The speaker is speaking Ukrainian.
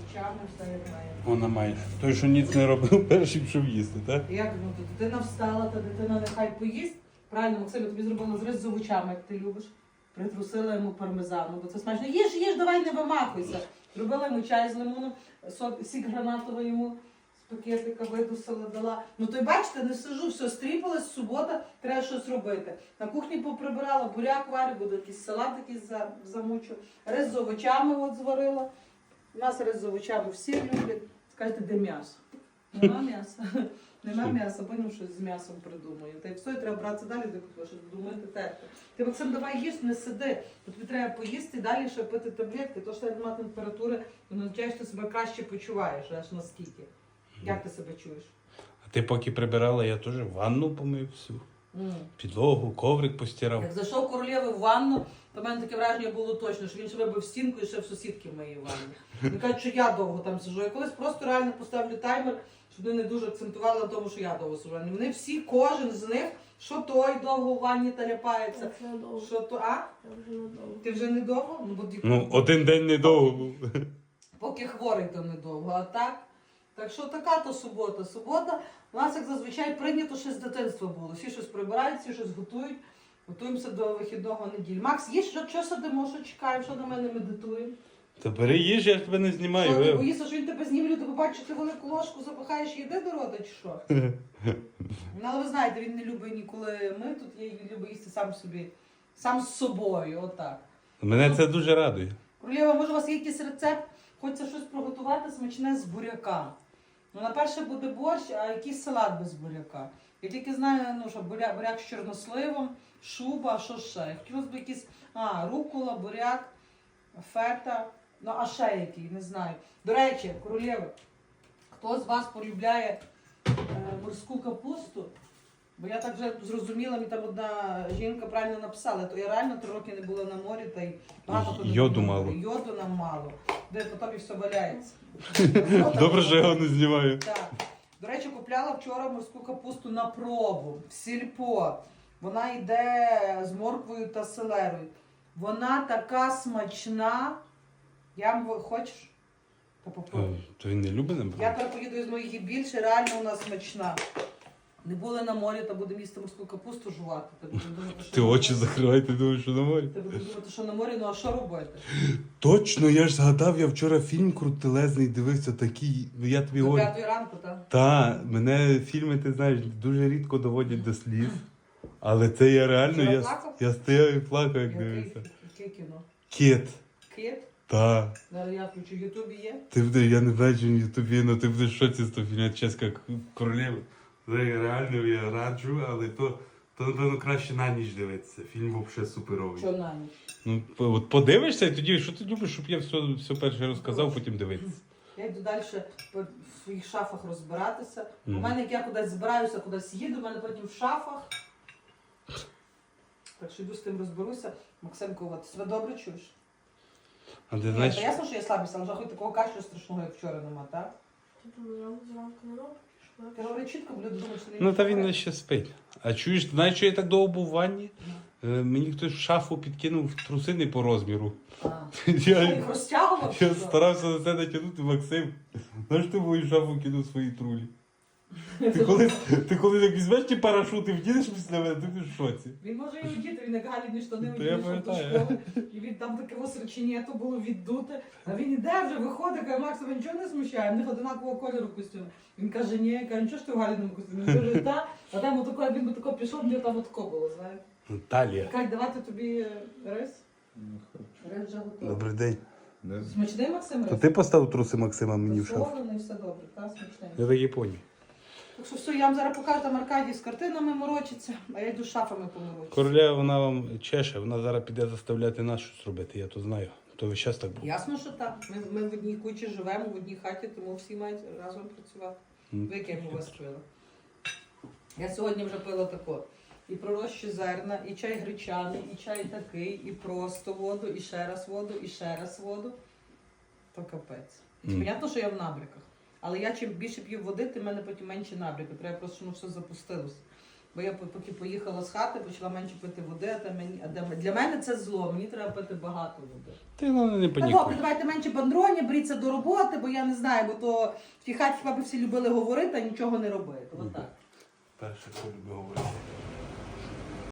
овочами, все як має. Вона має. Той, що ніц не робив, перший пішов їсти, так? Як ну, то дитина встала, та дитина нехай поїсть. Правильно, Максим, я тобі зробила зріз з овочами, як ти любиш. Притрусила йому пармезану, бо це смачно. Їж, давай не вимахуйся. Зробила йому чай з лимоном, сік гранатовий йому з пакетика видусила, дала. Ну то й бачите, не сижу, все, стріпалась, субота, треба щось робити. На кухні поприбирала, буряк варю, буде якийсь салат якийсь замучу. Рис з овочами от зварила. У нас рис з овочами всі люблять. Скажете, де м'ясо? Нема м'яса. Нема м'яса, потім щось з м'ясом придумаю. Та й все, і треба братися далі, до щось думати, терти. Ти, Максим, давай їж, не сиди. Тобі треба поїсти і далі ще пити таблетки. То, що немає температури, воно означає, що ти себе краще почуваєш, аж наскільки. Як ти себе чуєш? А ти поки прибирала, я теж ванну помив всю. Підлогу, коврик постирав. Як зайшов королєви в ванну, то в мене таке враження було точно, що він ще вибив стінку і ще в сусідки в моїй ванні. Він каже, що я довго там сижу. Я колись просто реально поставлю таймер, щоб вони не дуже акцентували на тому, що я довго сижу. Вони всі, кожен з них, що той довго в ванні таляпається, що то, а? Ти вже не довго? Ну, один день недовго був. Поки хворий, то недовго, а так? Так що така то субота. Субота у нас, як зазвичай, прийнято ще з дитинства було. Всі щось прибирають, всі щось готують. Готуємося до вихідного неділі. Макс, є що сидимо, що чекаємо, що на мене медитуємо? Та бери їж, я ж тебе не знімаю. Що, ти боїшся, що він тебе зніме, люди побачать, що ти велику ложку запихаєш і йде до рота, чи що? Ну, але ви знаєте, він не любить ніколи ми тут є, він любить їсти сам собі, сам з собою, отак. Мене це дуже радує. Королєва, може у вас є якийсь рецепт? Хочеться щось приготувати смачне з буряка. Ну, на перше буде борщ, а якийсь салат без буряка. Я тільки знаю, ну, що буряк з чорносливом, шуба, що ще. Хотілося б якийсь, рукола, буряк, фета, ну, а ще який, не знаю. До речі, королєви, хто з вас полюбляє морську капусту? Бо я так вже зрозуміла, мені там одна жінка правильно написала, то я реально 3 роки не була на морі, та й багато ходила. Йоду мало. Йоду нам мало, де потім і все валяється. Добре, що я його не знімаю. Так. До речі, купляла вчора морську капусту на пробу, в сільпо. Вона йде з морквою та селерою. Вона така смачна. Хочеш? Та попробуй. То він не любить набрати? Я тепер поїду із моїх і більше, реально вона смачна. Не були на морі, та будемо їсти морську капусту жувати. Ти очі закривай, ти думаєш, що на морі? Ти будеш думати, що на морі, ну а що робити? Точно, я ж згадав, я вчора фільм крутелезний дивився, такий, я тобі До говорю. 5 ранку, так? Та, мене фільми, ти знаєш, дуже рідко доводять до сліз. Але це я реально, Вчора плакав? я стояв і плакав, як дивився. Яке кіно? Кіт. Кіт? Та. Зараз я включу, в Ютубі є. Я не знаю, чи в Ютубі, але ти будеш в шоці з того фільму «Чеська королева». Реально я раджу, але то напевно краще на ніч дивитися. Фільм взагалі суперовий. Що на ніч? Ну, от подивишся і тоді, що ти любиш, щоб я все перше розказав, потім дивитися. Я йду далі в своїх шафах розбиратися. У мене, як я кудись збираюся, кудись їду, у мене потім в шафах. Так що йду з тим розберуся. Максимко, от, себе добре чуєш? А ти Ні, знаєш, та ясно, що я слабість, але вже хоч такого кашлю страшного, як вчора нема, так? Типу, я зранку не роблю, що Ти говори чітко, бо люди думають, що ти ну та він ще спить. А чуєш, ти знаєш, що я так довго був в ванні? Мені хтось в шафу підкинув трусини по розміру. Я їх розтягував? Я чи що? старався на це натягнути, Максим. Знаєш, ти в мою шафу кинув свої трулі. Ти коли так візьмеш ті парашути, вдінеш після мене, ти в шоці. Він може і одіти, він як галідні штани Та я одів до пам'ятаю. школи. І він там таке осречення, то було віддуте. А він іде вже, виходить, каже, Макс, тебе нічого не смущає, в них одинакового кольору костюм. Він каже, ні, я кажу, нічого ж ти в галідному костюмі? Він каже, та, а там отако, він би тако пішов, мені там отако було, знаєш. Талія. Кать, давати тобі рис? Рис вже готовий. Добрий день. Смачний, Максим, То рис? ти поставив труси Максима мені в шафу? Солоний, все добре, та, смачний. Я так і поняв. Так що все, я вам зараз покажу, там Аркадій з картинами морочиться, а я йду з шафами поморочиться. Короля, вона вам чеше, вона зараз піде заставляти нас щось робити, я то знаю. То весь час так було. Ясно, що так. Ми в одній кучі живемо, в одній хаті, тому всі мають разом працювати. Ви яке у вас пили? Я сьогодні вже пила тако. І пророщі зерна, і чай гречаний, і чай такий, і просто воду, і ще раз воду, і ще раз воду. То капець. Понятно, що я в набряках. Але я чим більше п'ю води, тим в мене потім менше набряки. Треба просто, щоб воно все запустилося. Бо я поки поїхала з хати, почала менше пити води, для мене це зло, мені треба пити багато води. Ти ну, не Та добре, панікуй. давайте менше бандроні, беріться до роботи, бо я не знаю, бо то в тій хаті хіба б всі любили говорити, а нічого не робити. Отак. Перше, що люблю говорити.